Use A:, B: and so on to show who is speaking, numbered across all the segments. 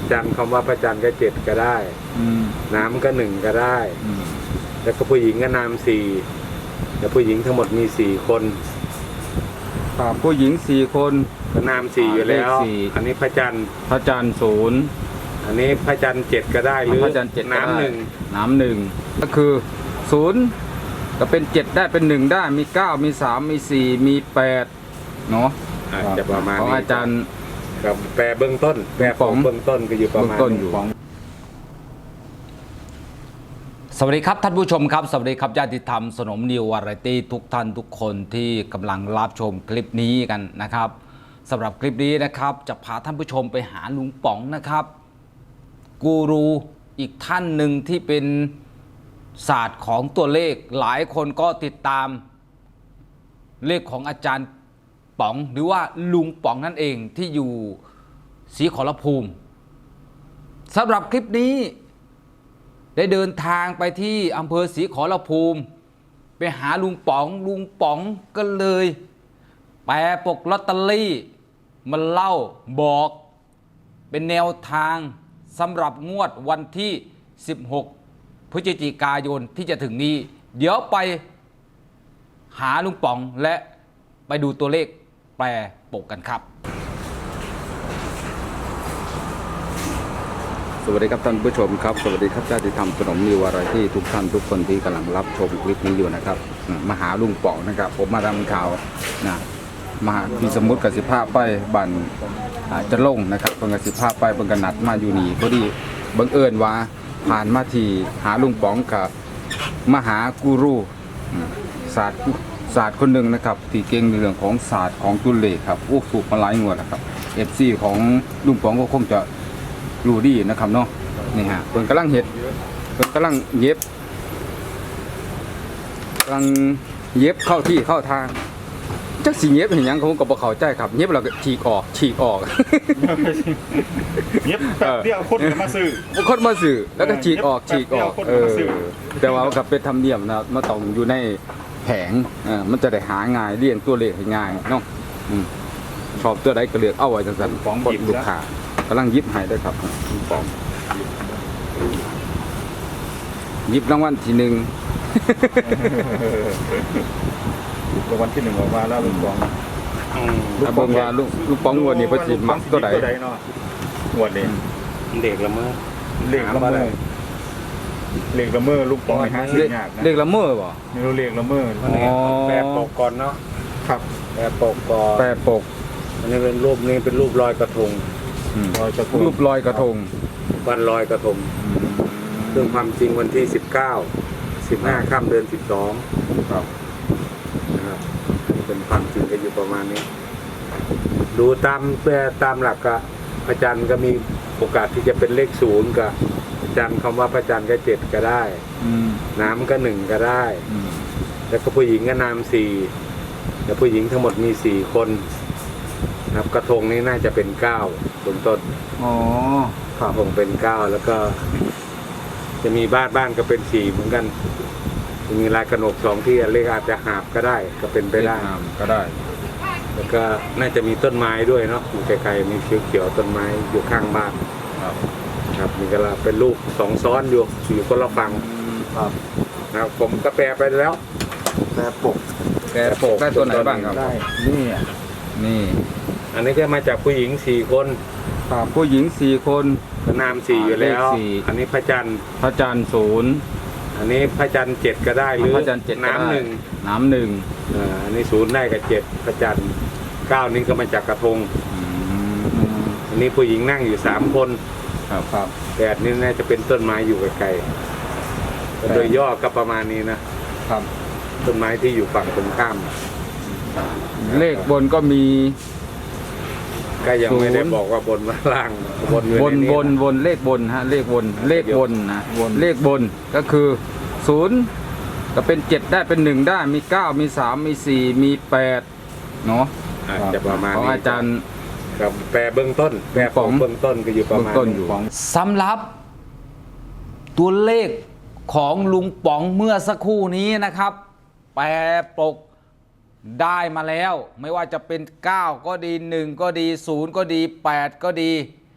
A: จันทร์คำว่าพระจันทร์ก็7ก็ได้น้ำก็1ก็ได้แล้วก็ผู้หญิงก็นาม4แต่ผู้หญิงทั้งหมดมี4คน
B: ผู้หญิง4คน
A: ก็นาม4อยู่แล้วอันนี้พระจันทร์
B: 0
A: อันนี้พระจันทร์7ก็ได้หรือน้ำ
B: 1ก็คือ0ก็เป็น7ได้เป็น1ได้มี9มี3มี4มี8เนาะ
A: จะประมาณ
B: ของ
A: นี้
B: อาจารย์
A: กับแปลเบื้องต้นแปลของเบื้องต้นก็อยู่ประมาณนี้
C: สวัสดีครับท่านผู้ชมครับสวัสดีครับญาติธรรมสนมนิววาไรตี้ทุกท่านทุกคนที่กำลังรับชมคลิปนี้กันนะครับสำหรับคลิปนี้นะครับจะพาท่านผู้ชมไปหาลุงป๋องนะครับกูรูอีกท่านหนึ่งที่เป็นศาสตร์ของตัวเลขหลายคนก็ติดตามเลขของอาจารย์ป๋องหรือว่าลุงป๋องนั่นเองที่อยู่ศรีขอรภูมิสำหรับคลิปนี้ได้เดินทางไปที่อำเภอศรีขอรภูมิไปหาลุงป๋องก็เลยแปลปกลอตเตอรี่มาเล่าบอกเป็นแนวทางสำหรับงวดวันที่16พฤศจิกายนที่จะถึงนี้เดี๋ยวไปหาลุงป๋องและไปดูตัวเลขแปลปกกันครับ
B: สวัสดีครับท่านผู้ชมครับสวัสดีครับญาติธรรมสนมนิววาไรตี้ทุกท่านทุกคนที่กำลังรับชมคลิปนี้อยู่นะครับมาหาลุงป๋องนะครับผมมาทำข่าวนะมามีสมุดกสิภาพไปบันจะลงนะครับเป็นกสิภาพไปเป็นกันนัดมาอยู่นี่พอดีบังเอิญว่าผ่านมาที่หาลุงป๋องกับมหากูรูศาสตร์คนหนึ่งนะครับที่เก่งในเรื่องของศาสตร์ของตุลเลขครับโอ้ถูกมาหลายงวดนะครับFCของลุงป๋องก็คงจะรู้ดีนะครับเนาะนี่ฮะเพิ่นกำลังเย็บเข้าที่เข้าทางจักสิเย็บเห็นยังผมก็บ่เข้าใจครับเย็บแล้วก็ฉีกออก
D: เย็บแป๊บเดียวคนมาซื้อ
B: แล้วก็ฉีกออกแต่ว่าก็เป็นธรรมเนียมนะมันต้องอยู่ในแผงมันจะได้หาง่ายเรียงตัวเลขให้ง่ายเนาะชอบตัวใดก็เลือกเอาไว้จังซั่นของลูกค้ากำลังยิบให้ด้วยครับปองยิบรางวัลที่1
D: รางวัลที่1ออกมาแล้วลุงปอง
B: ถ้าเบิ่งว่าลุงปองงวดนี้เพิ่นสิมักตัวใด
D: เนาะงวดนี้
A: เด็กละเมอ
D: ลุงปองให้หาซื้อยากนะ
B: เลขละเมอบ่
D: ไม่รู้เลขละเมอ
A: แปลปกก่อนเนาะ
D: ครับ
A: แปลปกก่อนอันนี้เป็นรูปลอยกระทง
B: รูปลอยกระทง
A: วันลอยกระทงซึ่งความจริงวันที่15ค่ำเดือน12
B: ครับ
A: นะครับเป็นความจริงก็อยู่ประมาณนี้ดูตามหลักก็พระจันทร์ก็มีโอกาสที่จะเป็นเลข0กับพระจันทร์คำว่าพระจันทร์ก็7ก็ได้น้ำก็1ก็ได้แล้วก็ผู้หญิงก็นาม4แต่ผู้หญิงทั้งหมดมี4คนครับกระทงนี้น่าจะเป็น9บนต้นกระทงเป็น9แล้วก็จะมีบ้านก็เป็น4เหมือนกันจะมีลายกระหนก2ที่เลขอาจจะหาบก็ได้ก็เป็นไปได้
B: ก็ได้
A: แล้วก็น่าจะมีต้นไม้ด้วยเนาะอยู่ไกลๆมีเขียวๆต้นไม้อยู่ข้างบ้านครับมีกระลาเป็นรูป2ซ้อนอยู่คนละฝั่งนะครับผมก็แปลไปแล้วแปลปก
B: ได้ตัวไหนบ้างครับ
A: ได้
B: นี่
A: อันนี้ก็มาจากผู้หญิง4คน
B: ผู้หญิง4คน
A: นาม4อยู่แล้วอันนี้พระจันทร์
B: 0
A: อันนี้พระจันทร์7ก็ได้หรือน้ำ
B: 1
A: อันนี้0ได้กับ7พระจันทร์9นี้ก็มาจากกระทงอันนี้ผู้หญิงนั่งอยู่3คน
B: ครับ
A: 8นี่น่าจะเป็นต้นไม้อยู่ไกลๆโดยย่อก็ประมาณนี้นะครับต้นไม้ที่อยู่ฝั่งตรงข้าม
B: เลขบนก็มี
A: ก็ยังไม่ได้บอกว่าบนว่าล่าง
B: บนเลขบนฮะเลขบนนะเลขบนก็คือ0ก็เป็น7ได้เป็น1ได้มี9มี3มี4มี8เนาะ
A: จะประมาณนี้
B: ของอาจารย์
A: กับแปลเบื้องต้นแปลของเบื้องต้นก็อยู่ประมาณนี้
C: สำหรับตัวเลขของลุงป๋องเมื่อสักครู่นี้นะครับแปลปกได้มาแล้วไม่ว่าจะเป็น9ก็ดี1ก็ดี0ก็ดี8ก็ดี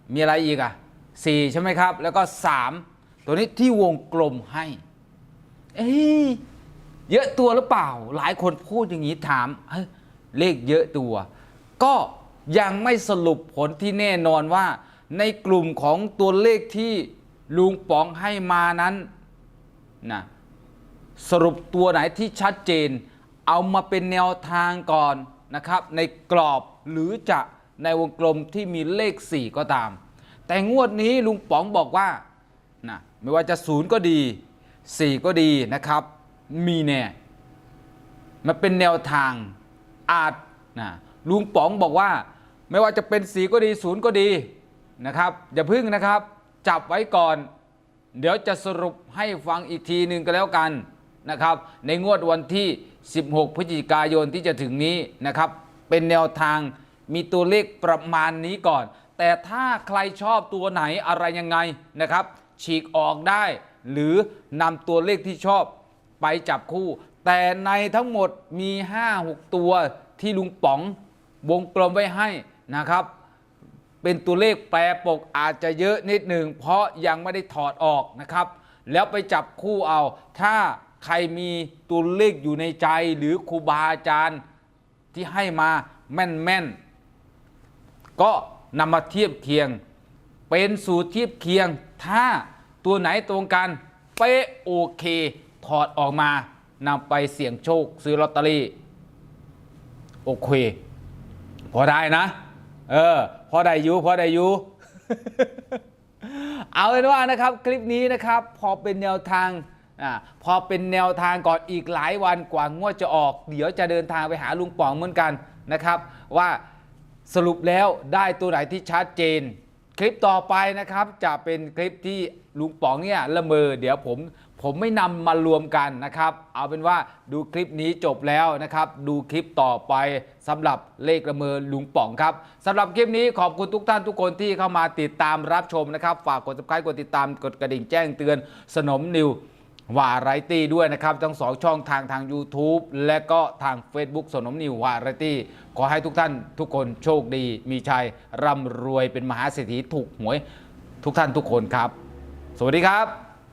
C: มีอะไรอีกอ่ะ4ใช่ไหมครับแล้วก็3ตัวนี้ที่วงกลมให้เอ้ยเยอะตัวหรือเปล่าหลายคนพูดอย่างนี้ถามเฮ้ยเลขเยอะตัวก็ยังไม่สรุปผลที่แน่นอนว่าในกลุ่มของตัวเลขที่ลุงป๋องให้มานั้นนะสรุปตัวไหนที่ชัดเจนเอามาเป็นแนวทางก่อนนะครับในกรอบหรือจะในวงกลมที่มีเลข4ก็ตามแต่งวดนี้ลุงป๋องบอกว่านะไม่ว่าจะ0ก็ดี4ก็ดีนะครับมีแน่มันเป็นแนวทางอาจนะลุงป๋องบอกว่าไม่ว่าจะเป็น4ก็ดี0ก็ดีนะครับอย่าพึ่งนะครับจับไว้ก่อนเดี๋ยวจะสรุปให้ฟังอีกทีหนึ่งก็แล้วกันนะครับในงวดวันที่16พฤศจิกายนที่จะถึงนี้นะครับเป็นแนวทางมีตัวเลขประมาณนี้ก่อนแต่ถ้าใครชอบตัวไหนอะไรยังไงนะครับฉีกออกได้หรือนำตัวเลขที่ชอบไปจับคู่แต่ในทั้งหมดมี 5-6 ตัวที่ลุงป๋องวงกลมไว้ให้นะครับเป็นตัวเลขแปรปกอาจจะเยอะนิดหนึ่งเพราะยังไม่ได้ถอดออกนะครับแล้วไปจับคู่เอาถ้าใครมีตัวเลขอยู่ในใจหรือครูบาอาจารย์ที่ให้มาแม่นๆก็นำมาเทียบเคียงเป็นสูตรเทียบเคียงถ้าตัวไหนตรงกันเป๊ะโอเคถอดออกมานำไปเสี่ยงโชคซื้อลอตเตอรี่โอเคพอได้นะพอได้อยู่ เอาเป็นว่านะครับคลิปนี้นะครับพอเป็นแนวทางพอเป็นแนวทางก่อนอีกหลายวันกว่างวดจะออกเดี๋ยวจะเดินทางไปหาลุงป๋องเหมือนกันนะครับว่าสรุปแล้วได้ตัวไหนที่ชัดเจนคลิปต่อไปนะครับจะเป็นคลิปที่ลุงป๋องเนี่ยละเมอเดี๋ยวผมไม่นำมารวมกันนะครับเอาเป็นว่าดูคลิปนี้จบแล้วนะครับดูคลิปต่อไปสำหรับเลขละเมอลุงป๋องครับสำหรับคลิปนี้ขอบคุณทุกท่านทุกคนที่เข้ามาติดตามรับชมนะครับฝากกด Subscribe กดติดตามกดกระดิ่งแจ้งเตือนสนมนิววาไรตี้ด้วยนะครับทั้ง2ช่องทาง YouTube และก็ทาง Facebook สนมนิววาไรตี้ขอให้ทุกท่านทุกคนโชคดีมีชัยร่ำรวยเป็นมหาเศรษฐีถูกหวยทุกท่านทุกคนครับสวัสดีครับ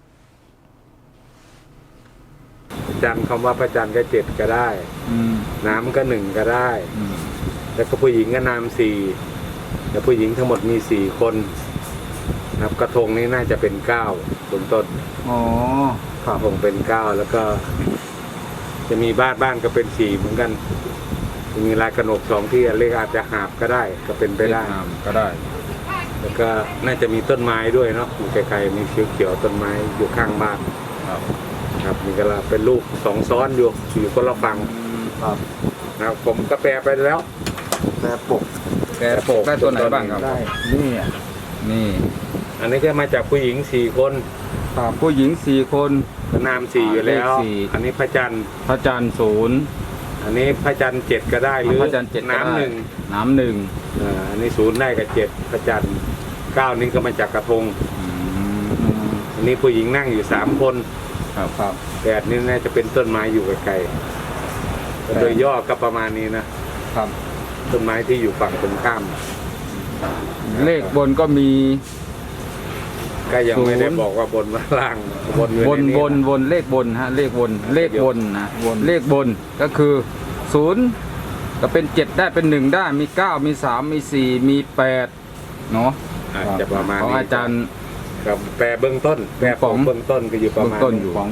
A: จำคำว่าพระจันทร์ก็7ก็ได้น้ำก็1ก็ได้แล้วก็ผู้หญิงก็น้ำ4แล้วผู้หญิงทั้งหมดมี4คนนะครับกระทงนี้น่าจะเป็น9บนต้น
B: อ๋อก
A: ระทงเป็น9แล้วก็จะมีบ้านก็เป็น4เหมือนกันมีลายกระหนก2ที่เลขอาจจะหาบก็ได้ก็เป็นไปได้
B: ก็ได้
A: แล้วก็น่าจะมีต้นไม้ด้วยเนาะอยู่ไกลๆมีเขียวๆต้นไม้อยู่ข้างบ้านครับนี่ก็เป็นลูก2ซ้อนอยู่คนละฝั่ง
B: ครับ
A: นะครับผมก็แปลไปแล้ว
B: แปรปกได้ตัวไหนบ้างครับ
A: ได้
B: นี่
A: อันนี้ก็มาจากผู้หญิง4คน
B: ผู้หญิง4คน
A: นาม4อยู่แล้วอันนี้พระจันทร์
B: 0
A: อันนี้พระจันทร์7ก็ได้หรือน้ำ
B: 1
A: อันนี้0ได้กับ7พระจันทร์9นี่ก็มาจากกระทงอันนี้ผู้หญิงนั่งอยู่3คน
B: ครับ
A: 8นี่น่าจะเป็นต้นไม้อยู่ไกลๆโดยย่อก็ประมาณนี้นะครับต้นไม้ที่อยู่ฝั่งตรงข้าม
B: เลขบนก็มี
A: ก็ยังไม่ได้บอกว่าบนว่าล่าง
B: บนเลขบนฮะเลขบนนะเลขบนก็คือ0ก็เป็น7ได้เป็น1ได้มี9มี3มี4มี8เนาะ
A: จะประมาณนี้
B: ของอาจารย์
A: กับแปรเบื้องต้นแปรของเบื้องต้นก็อยู่ประมาณ
B: ของ